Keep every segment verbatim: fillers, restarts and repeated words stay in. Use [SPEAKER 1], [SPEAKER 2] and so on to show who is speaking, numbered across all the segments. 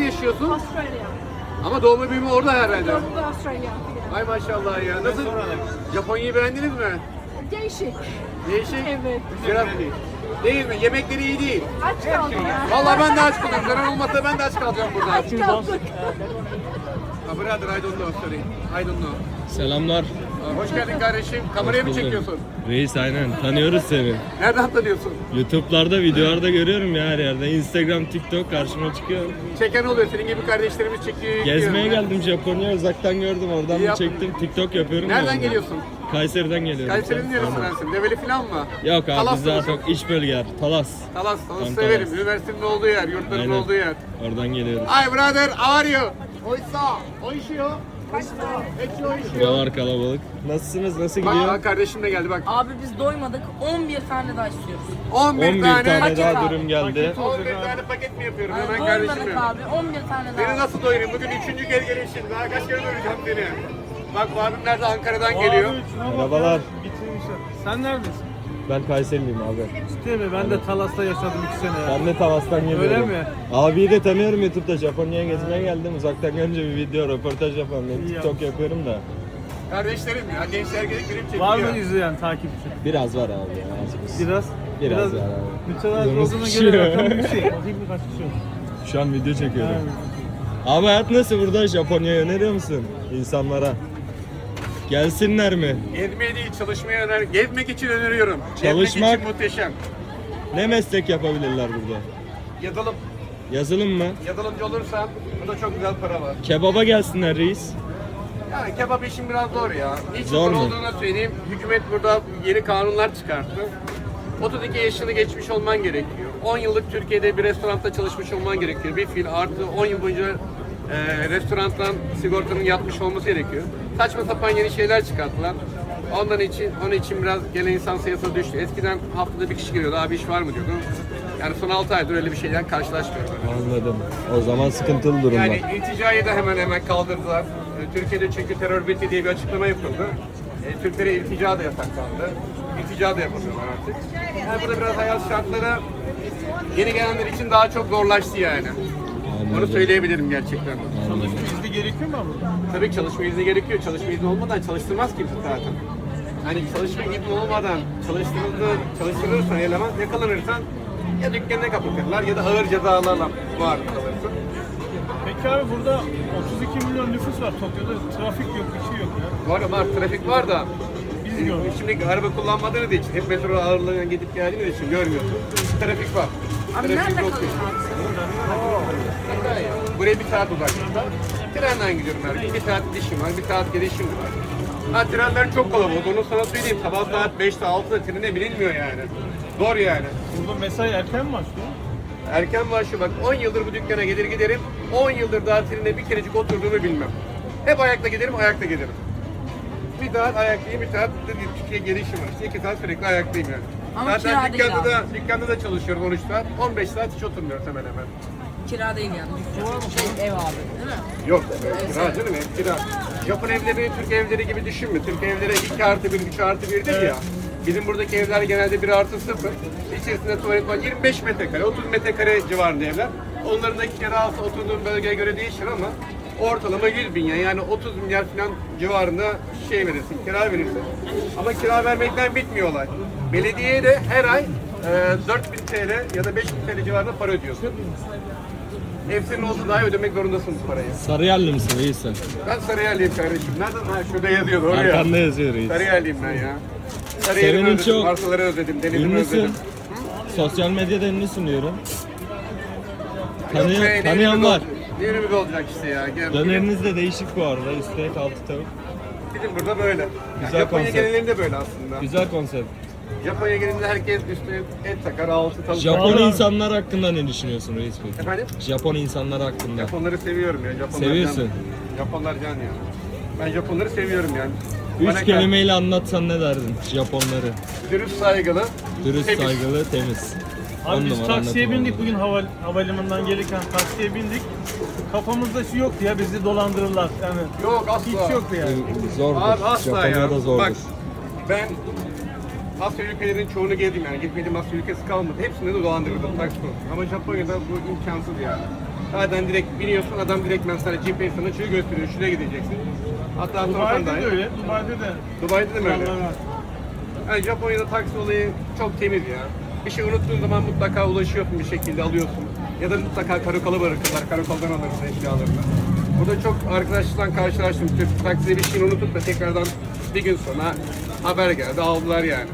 [SPEAKER 1] yaşıyorsun?
[SPEAKER 2] Australia.
[SPEAKER 1] Ama doğma büyüme orada herhalde.
[SPEAKER 2] Doğru Australia.
[SPEAKER 1] Ay maşallah ya. Nasıl? Japonya'yı beğendiniz mi?
[SPEAKER 2] Değişik.
[SPEAKER 1] Değişik.
[SPEAKER 2] Evet.
[SPEAKER 1] Biraz değil mi? Yemekleri iyi değil.
[SPEAKER 2] Aç kaldık ya.
[SPEAKER 1] Vallahi ben de aç kaldım. Zarar olmasa ben de aç kalacağım burada.
[SPEAKER 2] Aç kaldık.
[SPEAKER 1] Ha, brother, I don't know, sorry. I don't know.
[SPEAKER 3] Selamlar.
[SPEAKER 1] Aa, Hoş geldin kardeşim. Kameraya mı çekiyorsun?
[SPEAKER 3] Reis aynen. Tanıyoruz seni.
[SPEAKER 1] Nereden tanıyorsun?
[SPEAKER 3] YouTube'larda, videolarda görüyorum ya her yerde. Instagram, TikTok karşıma çıkıyor.
[SPEAKER 1] Çeken oluyor. Senin gibi kardeşlerimiz çekiyor. yüklüyor.
[SPEAKER 3] Gezmeye geldim Japonya, uzaktan gördüm. Oradan
[SPEAKER 1] İyi
[SPEAKER 3] bir
[SPEAKER 1] yaptın.
[SPEAKER 3] çektim. TikTok yapıyorum. ya
[SPEAKER 1] Nereden
[SPEAKER 3] oradan.
[SPEAKER 1] geliyorsun?
[SPEAKER 3] Kayseri'den geliyorum.
[SPEAKER 1] Kayseri'nin neresindensin? Develi falan mı?
[SPEAKER 3] Yok abi
[SPEAKER 1] Talas'ta
[SPEAKER 3] biz daha
[SPEAKER 1] mısın?
[SPEAKER 3] çok iç bölgeler. Talas.
[SPEAKER 1] Talas, Talas
[SPEAKER 3] Ben
[SPEAKER 1] severim.
[SPEAKER 3] Talas.
[SPEAKER 1] Üniversitenin olduğu yer, yurtların
[SPEAKER 3] Aynen.
[SPEAKER 1] olduğu yer.
[SPEAKER 3] Oradan geliyoruz.
[SPEAKER 1] Hi brother, how are you? Oisa, oishio. Ekşi oishio.
[SPEAKER 3] Buralar kalabalık. Nasılsınız? Nasıl gidiyor?
[SPEAKER 1] Bak kardeşim de geldi bak.
[SPEAKER 4] Abi biz doymadık. on bir tane daha istiyoruz.
[SPEAKER 1] on bir
[SPEAKER 3] on bir
[SPEAKER 1] tane,
[SPEAKER 3] tane
[SPEAKER 4] Paket
[SPEAKER 3] daha
[SPEAKER 4] abi.
[SPEAKER 3] dürüm geldi.
[SPEAKER 1] on bir tane paket mi yapıyorum?
[SPEAKER 4] Yani
[SPEAKER 1] Hemen kardeşim
[SPEAKER 4] doymadık
[SPEAKER 1] benim.
[SPEAKER 4] abi. on bir tane
[SPEAKER 1] Beni
[SPEAKER 4] daha.
[SPEAKER 1] nasıl doyurayım? Bugün üçüncü kez gelişim. Daha kaç kere doyuracağım seni? Bak bu abim nerede? Ankara'dan geliyor.
[SPEAKER 3] Merhabalar.
[SPEAKER 5] Bitirmişler. Sen neredesin?
[SPEAKER 3] Ben Kayseriliyim abi.
[SPEAKER 5] Ciddi mi? Ben de Talas'ta yaşadım iki sene ya.
[SPEAKER 3] Ben de Talas'tan geliyorum.
[SPEAKER 5] Öyle mi?
[SPEAKER 3] Abiyi de tanıyorum YouTube'da. Japonya'ya gezmeye geldim. Uzaktan görünce bir video, röportaj yapalım. Ben
[SPEAKER 5] İyi
[SPEAKER 3] TikTok
[SPEAKER 5] yapmışsın.
[SPEAKER 3] yapıyorum da.
[SPEAKER 1] Kardeşlerim ya. Gençler gelip benim çekiyor.
[SPEAKER 5] Var mı izleyen takipçi?
[SPEAKER 3] Biraz var abi ya. az buz.
[SPEAKER 5] Biraz.
[SPEAKER 3] Biraz var abi.
[SPEAKER 5] Mütevazı
[SPEAKER 3] Yalnız
[SPEAKER 5] olduğuna
[SPEAKER 3] kişi.
[SPEAKER 5] göre rakam yüksek. Bakayım birkaç kişi oldu.
[SPEAKER 3] Şu an video çekiyorum.
[SPEAKER 5] Yani.
[SPEAKER 3] Abi hayat nasıl burada? Japonya'ya öneriyor musun insanlara? Gelsinler mi?
[SPEAKER 1] Gezmeye değil, çalışmaya öner. Gezmek için öneriyorum.
[SPEAKER 3] Çalışmak-
[SPEAKER 1] Gezmek için muhteşem.
[SPEAKER 3] Ne meslek yapabilirler burada?
[SPEAKER 1] Yazılım.
[SPEAKER 3] Yazılım mı?
[SPEAKER 1] Yazılımcı olursan burada çok güzel para var.
[SPEAKER 3] Kebaba gelsinler reis.
[SPEAKER 1] Yani kebap işin biraz zor ya. Hiç
[SPEAKER 3] Zor
[SPEAKER 1] zor
[SPEAKER 3] mu?
[SPEAKER 1] olduğunu söyleyeyim. Hükümet burada yeni kanunlar çıkarttı. otuz iki yaşını geçmiş olman gerekiyor. on yıllık Türkiye'de bir restoranda çalışmış olman gerekiyor. Bir fiil artı on yıl boyunca e, restorandan sigortanın yatmış olması gerekiyor. Saçma sapan yeni şeyler çıkarttılar. Ondan için, onun için biraz gelen insan sayısı düştü. Eskiden haftada bir kişi geliyordu, abi iş var mı diyordu. Yani son altı aydır öyle bir şeyden karşılaşmıyorum.
[SPEAKER 3] Anladım. O zaman sıkıntılı durumlar.
[SPEAKER 1] Yani ilticayı da hemen hemen kaldırdılar. E, Türkiye'de çünkü terör bitti diye bir açıklama yapıldı. E, Türklere iltica da yasaklandı. İltica da yapamıyorlar artık. Yani burada biraz hayat şartları yeni gelenler için daha çok zorlaştı yani. Onu
[SPEAKER 3] Anladım.
[SPEAKER 1] söyleyebilirim gerçekten.
[SPEAKER 5] Çalışma izni gerekiyor mu burada?
[SPEAKER 1] Tabii ki çalışma izni gerekiyor. Çalışma izni olmadan çalıştırmaz kimse zaten. Hani çalışma izni olmadan çalıştırıldı, çalıştırılırsan eleman yakalanırsan ya dükkanına kapatırlar ya da ağır cezalarla maruz kalırsın.
[SPEAKER 5] Peki abi burada otuz iki milyon nüfus var. Tokyo'da trafik yok, bir şey yok ya.
[SPEAKER 1] Var var, trafik var da
[SPEAKER 5] Biz gördük.
[SPEAKER 1] şimdi araba kullanmadığınız için hep metro ağırlığına gidip geldiğiniz için görmüyorsun. Trafik var.
[SPEAKER 4] Abi
[SPEAKER 1] Trafik
[SPEAKER 4] nerede
[SPEAKER 1] yok
[SPEAKER 4] kalıyorsun
[SPEAKER 1] yani.
[SPEAKER 4] abi?
[SPEAKER 1] Buraya bir saat uzaklıkta. Trenden gidiyorum her gün. Bir saat gidişim var, bir saat gelişim var. Ha trenler çok kalabalık. Onu sana söyleyeyim. Sabah saat beşte altıda trene binilmiyor yani. Zor yani.
[SPEAKER 5] Burada mesai erken mi başlıyor?
[SPEAKER 1] Erken başlıyor. Bak on yıldır bu dükkana gelir giderim. on yıldır daha trene bir kerecik oturduğumu bilmem. Hep ayakta giderim, ayakta gelirim. Bir saat ayaktayım, bir saat de Türkiye gelişim var. İşte iki saat sürekli ayaktayım yani.
[SPEAKER 4] Ama
[SPEAKER 1] Zaten
[SPEAKER 4] kira değil
[SPEAKER 1] dükkanda
[SPEAKER 4] abi.
[SPEAKER 1] da, dükkanda da çalışıyorum on üç saat. on beş saat hiç oturmuyoruz hemen hemen.
[SPEAKER 4] Kira değil yani. Şey, ev abi değil mi?
[SPEAKER 1] Yok, kira canım, ev kira. Japon evleri Türk evleri gibi düşünme. Türk evleri iki artı bir, üç artı bir değil ya. Bizim buradaki evler genelde bir artı sıfır. İçerisinde tuvalet var. yirmi beş metrekare, otuz metrekare civarında evler. Onların da kirası oturduğun bölgeye göre değişir ama ortalama yüz bin ya. Yani otuz milyar falan civarında şey verirsin, kira verirsin. Ama kira vermekten bitmiyor olay. Belediyeye de her ay e, dört bin T L ya da beş bin T L civarında para ödüyorsun. Ev senin olsa daha ödemek zorundasın bu parayı.
[SPEAKER 3] Sarıyerli misin reis sen?
[SPEAKER 1] Ben Sarıyerliyim kardeşim. Nereden? Ha şurada yazıyor doğru ya.
[SPEAKER 3] Arkanda yazıyor reis.
[SPEAKER 1] Sarıyerliyim ben ya. Sarıyer'i
[SPEAKER 3] Senin
[SPEAKER 1] özledim,
[SPEAKER 3] çok
[SPEAKER 1] arsaları özledim, denizimi
[SPEAKER 3] Ünlüsün.
[SPEAKER 1] özledim.
[SPEAKER 3] Sosyal medyada ünlüsün diyorum.
[SPEAKER 1] Yok be,
[SPEAKER 3] Tanıyan,
[SPEAKER 1] ne
[SPEAKER 3] tanıyan
[SPEAKER 1] ünlümüz
[SPEAKER 3] var.
[SPEAKER 1] olacak? Ne ünlümüz olacak işte ya. Gel,
[SPEAKER 3] Döneriniz de değişik bu arada. Üstte et, altı tavuk.
[SPEAKER 1] Bizim burada böyle.
[SPEAKER 3] Güzel
[SPEAKER 1] Japonya
[SPEAKER 3] konsept.
[SPEAKER 1] genelinde böyle aslında.
[SPEAKER 3] Güzel konsept.
[SPEAKER 1] Japonya genelinde herkes üstüne et takar, altı tavuk.
[SPEAKER 3] Japon
[SPEAKER 1] takar.
[SPEAKER 3] insanlar hakkında ne düşünüyorsun reis peki?
[SPEAKER 1] Efendim?
[SPEAKER 3] Japon insanlar hakkında.
[SPEAKER 1] Japonları seviyorum ya. Japonlar
[SPEAKER 3] Seviyorsun.
[SPEAKER 1] Can. Japonlar can ya. Ben Japonları seviyorum yani.
[SPEAKER 3] Üç
[SPEAKER 1] Bana
[SPEAKER 3] kelimeyle anlatsan ne derdin Japonları?
[SPEAKER 1] dürüst, saygılı,
[SPEAKER 3] Dürüst,
[SPEAKER 1] temiz.
[SPEAKER 3] saygılı, temiz. On
[SPEAKER 5] Abi biz
[SPEAKER 3] numara
[SPEAKER 5] taksiye
[SPEAKER 3] anlatım
[SPEAKER 5] bindik
[SPEAKER 3] oldu.
[SPEAKER 5] bugün hava, havalimanından gelirken taksiye bindik. Kafamızda şu yoktu ya bizi dolandırırlar. Yani
[SPEAKER 1] Yok asla.
[SPEAKER 5] hiç yoktu yani.
[SPEAKER 3] Zordur.
[SPEAKER 1] Abi asla ya.
[SPEAKER 3] Japonya'da zordur.
[SPEAKER 1] Bak ben Asya ülkelerinin çoğunu gezdim yani. Gitmediğim Asya ülkesi kalmadı. Hepsinde de dolandırıldım taksi konusunda. Ama Japonya'da bu imkansız yani. Zaten direkt biniyorsun, adam direkt ben sana G P S sana açıyor gösteriyor, şuraya gideceksin. Hatta sorsan
[SPEAKER 5] Dubai'de
[SPEAKER 1] dahi.
[SPEAKER 5] de öyle. Dubai'de de.
[SPEAKER 1] Dubai'de de mi öyle?
[SPEAKER 5] Kurallar var.
[SPEAKER 1] Yani Japonya'da taksi olayı çok temiz ya. Bir şey unuttuğun zaman mutlaka ulaşıyorsun bir şekilde alıyorsun. Ya da mutlaka karakola bırakırlar, karakoldan alırsın eşyalarını. Burada çok arkadaşlarla karşılaştım. Türk taksiye bir şeyini unutup da tekrardan bir gün sonra haber geldi, aldılar yani.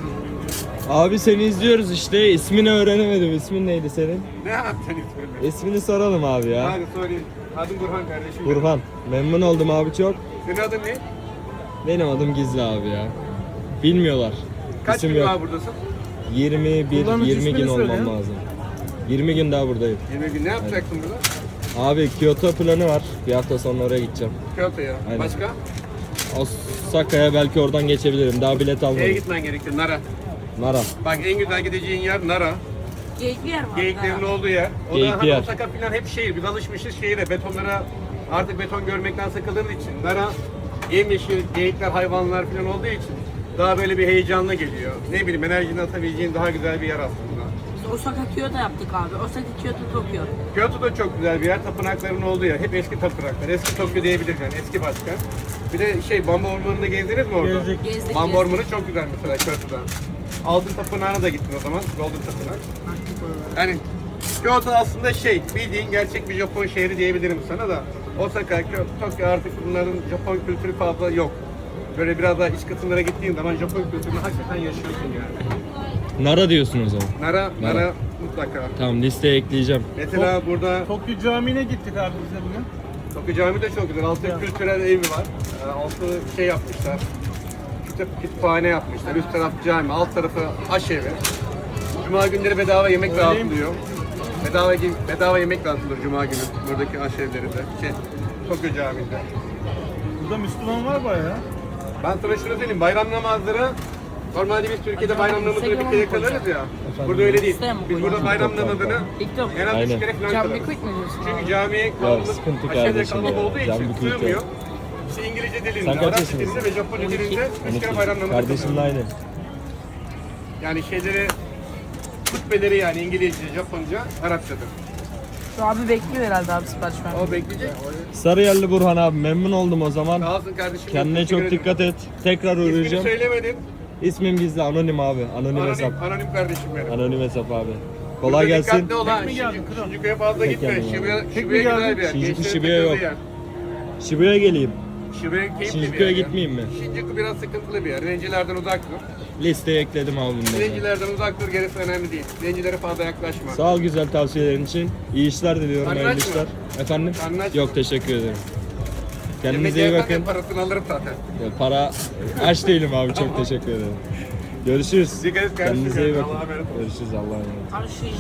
[SPEAKER 3] Abi seni izliyoruz işte. İsmini öğrenemedim. İsmin neydi senin?
[SPEAKER 1] Ne yaptın ismini?
[SPEAKER 3] İsmini soralım abi ya.
[SPEAKER 1] Hadi sorayım. Adım Burhan kardeşim.
[SPEAKER 3] Burhan. Memnun oldum abi çok.
[SPEAKER 1] Senin adın ne?
[SPEAKER 3] Benim adım Gizli abi ya. Bilmiyorlar.
[SPEAKER 1] Kaç
[SPEAKER 3] İsim
[SPEAKER 1] gün
[SPEAKER 3] yok.
[SPEAKER 1] daha buradasın?
[SPEAKER 3] yirmi bir
[SPEAKER 5] Kullanıcı
[SPEAKER 3] yirmi gün
[SPEAKER 5] ismini söyle
[SPEAKER 3] olmam
[SPEAKER 5] ya.
[SPEAKER 3] lazım. yirmi gün daha buradayım.
[SPEAKER 1] yirmi gün ne yapacaksın burada?
[SPEAKER 3] Abi Kyoto planı var. Bir hafta sonra oraya gideceğim.
[SPEAKER 1] Kyoto'ya.
[SPEAKER 3] Aynen.
[SPEAKER 1] Başka?
[SPEAKER 3] Osaka'ya belki oradan geçebilirim. Daha bilet
[SPEAKER 1] Nereye
[SPEAKER 3] almadım.
[SPEAKER 1] gitmen gerekiyor? Nara.
[SPEAKER 3] Nara.
[SPEAKER 1] Bak en güzel gideceğin yer Nara.
[SPEAKER 4] Geyikli yer var.
[SPEAKER 1] Geyiklerin olduğu yer. O da
[SPEAKER 3] Geyikli
[SPEAKER 1] hani
[SPEAKER 3] yer.
[SPEAKER 1] Osaka falan hep şehir. Biz alışmışız şehire. Betonlara artık beton görmekten sıkıldığımız için. Nara yemyeşil geyikler, hayvanlar falan olduğu için daha böyle bir heyecanlı geliyor. Ne bileyim enerjini atabileceğin daha güzel bir yer aslında.
[SPEAKER 4] Biz Osaka Kyoto yaptık abi. Osaka Kyoto Tokyo.
[SPEAKER 1] Kyoto da çok güzel bir yer. Tapınakların olduğu yer. Hep eski tapınaklar. Eski Tokyo diyebiliriz yani. Eski başkan. Bir de şey Bambu Ormanı'nda gezdiniz mi orada?
[SPEAKER 5] Gezdik.
[SPEAKER 4] Gezdik,
[SPEAKER 1] Bambu
[SPEAKER 4] gezdik.
[SPEAKER 1] Ormanı çok güzel mesela Kyoto'da. Altın Tapınağı'na da gittin o zaman. Golden Tapınak. Yani Kyoto aslında şey, bildiğin gerçek bir Japon şehri diyebilirim sana da. Osaka, Kyoto, Tokyo artık bunların Japon kültürü fazla yok. Böyle biraz daha iç kısımlara gittiğin zaman Japon kültürünü hakikaten yaşıyorsun yani.
[SPEAKER 3] Nara diyorsun o zaman.
[SPEAKER 1] Nara,
[SPEAKER 3] Nara.
[SPEAKER 1] Nara mutlaka.
[SPEAKER 3] Tamam listeye ekleyeceğim.
[SPEAKER 1] Mesela burada
[SPEAKER 5] Tokyo Camii'ne gittik abi biz de bugün.
[SPEAKER 1] Tokyo Cami de çok güzel. Altı kültürel evi var. Ee, Altı şey yapmışlar. Kütüp, kütüphane yapmışlar. Üst taraf cami, alt tarafı aşevi. Cuma günleri bedava yemek
[SPEAKER 5] Öyleymiş.
[SPEAKER 1] dağıtılıyor. Bedava, bedava yemek dağıtılır Cuma günü buradaki aşevlerinde. Şey, Tokyo Camii'nde.
[SPEAKER 5] Burada Müslüman var bayağı.
[SPEAKER 1] Ben sana şunu söyleyeyim, bayram namazları normalde biz Türkiye'de bayram namazını bir kere kılarız ya. Burada öyle değil. Biz burada bayram namazını en az üç
[SPEAKER 3] Aynen.
[SPEAKER 1] kere falan
[SPEAKER 2] Can
[SPEAKER 1] kılarız.
[SPEAKER 2] Bikut mu diyorsun?
[SPEAKER 1] Çünkü camiye kalabalık,
[SPEAKER 3] sıkıntı
[SPEAKER 1] aşağıda
[SPEAKER 3] kardeşim
[SPEAKER 1] kalabalık
[SPEAKER 3] ya.
[SPEAKER 1] olduğu
[SPEAKER 3] Can
[SPEAKER 1] için
[SPEAKER 3] Bikut ya.
[SPEAKER 1] sığmıyor. İşte İngilizce dilinde,
[SPEAKER 3] Sen kaç
[SPEAKER 1] Arapça
[SPEAKER 3] yaşındasın?
[SPEAKER 1] dilinde ve Japonca dilinde üç kere bayram namazı
[SPEAKER 3] Kardeşimle
[SPEAKER 1] kılıyoruz.
[SPEAKER 3] aynı.
[SPEAKER 1] Yani şeyleri, hutbeleri yani İngilizce, Japonca, Arapçadır.
[SPEAKER 2] Şu abi bekliyor herhalde abi sipariş vermeyi.
[SPEAKER 1] O bekleyecek.
[SPEAKER 3] Sarıyerli Burhan abi memnun oldum o zaman.
[SPEAKER 1] Sağ olsun kardeşim.
[SPEAKER 3] Kendine
[SPEAKER 1] Teşekkür
[SPEAKER 3] çok
[SPEAKER 1] ederim.
[SPEAKER 3] dikkat et. Tekrar
[SPEAKER 1] İsmini
[SPEAKER 3] uğrayacağım.
[SPEAKER 1] söylemedim.
[SPEAKER 3] İsmim Gizli anonim abi. Anonim hesap.
[SPEAKER 1] Anonim, anonim kardeşim benim.
[SPEAKER 3] Anonim hesap abi.
[SPEAKER 1] Burada
[SPEAKER 3] Kolay gelsin.
[SPEAKER 1] Dikkatli ol ha.
[SPEAKER 5] Tek mi geldin,
[SPEAKER 1] Shinjuku-
[SPEAKER 5] kral?
[SPEAKER 1] Shinjuku'ya fazla
[SPEAKER 3] Tek
[SPEAKER 1] gitme.
[SPEAKER 3] geldim abi.
[SPEAKER 1] Shibuya,
[SPEAKER 5] Tek mi
[SPEAKER 1] Shibuya güzel
[SPEAKER 5] geldin?
[SPEAKER 1] bir yer.
[SPEAKER 3] Shinjuku,
[SPEAKER 1] Gençlerin
[SPEAKER 3] Shibuya
[SPEAKER 1] takıldığı
[SPEAKER 3] yok.
[SPEAKER 1] yer.
[SPEAKER 3] Shibuya'ya geleyim.
[SPEAKER 1] Shibuya keyifli bir
[SPEAKER 3] Shinjuku'ya
[SPEAKER 1] yer. ya.
[SPEAKER 3] gitmeyeyim mi?
[SPEAKER 1] Shinjuku biraz sıkıntılı bir yer. Zencilerden uzak dur.
[SPEAKER 3] Listeye ekledim abi bunları.
[SPEAKER 1] Zencilerden uzak dur, gerisi önemli değil. Zencilere fazla yaklaşma.
[SPEAKER 3] Sağ ol güzel tavsiyelerin için. İyi işler diliyorum.
[SPEAKER 1] Karnın
[SPEAKER 3] Hayırlı
[SPEAKER 1] aç mı?
[SPEAKER 3] işler. Efendim?
[SPEAKER 1] Karnın aç mı?
[SPEAKER 3] Yok teşekkür ederim. Kendinize
[SPEAKER 1] Yemek
[SPEAKER 3] iyi
[SPEAKER 1] yersen
[SPEAKER 3] bakın.
[SPEAKER 1] parasını alırım zaten.
[SPEAKER 3] Ya para aç değilim abi çok teşekkür ederim. Görüşürüz.
[SPEAKER 1] Dikkat et kardeşim.
[SPEAKER 3] Kendinize iyi
[SPEAKER 1] Allah'a
[SPEAKER 3] bakın.
[SPEAKER 1] emanet ol.
[SPEAKER 3] Görüşürüz Allah'a emanet.
[SPEAKER 4] Abi şu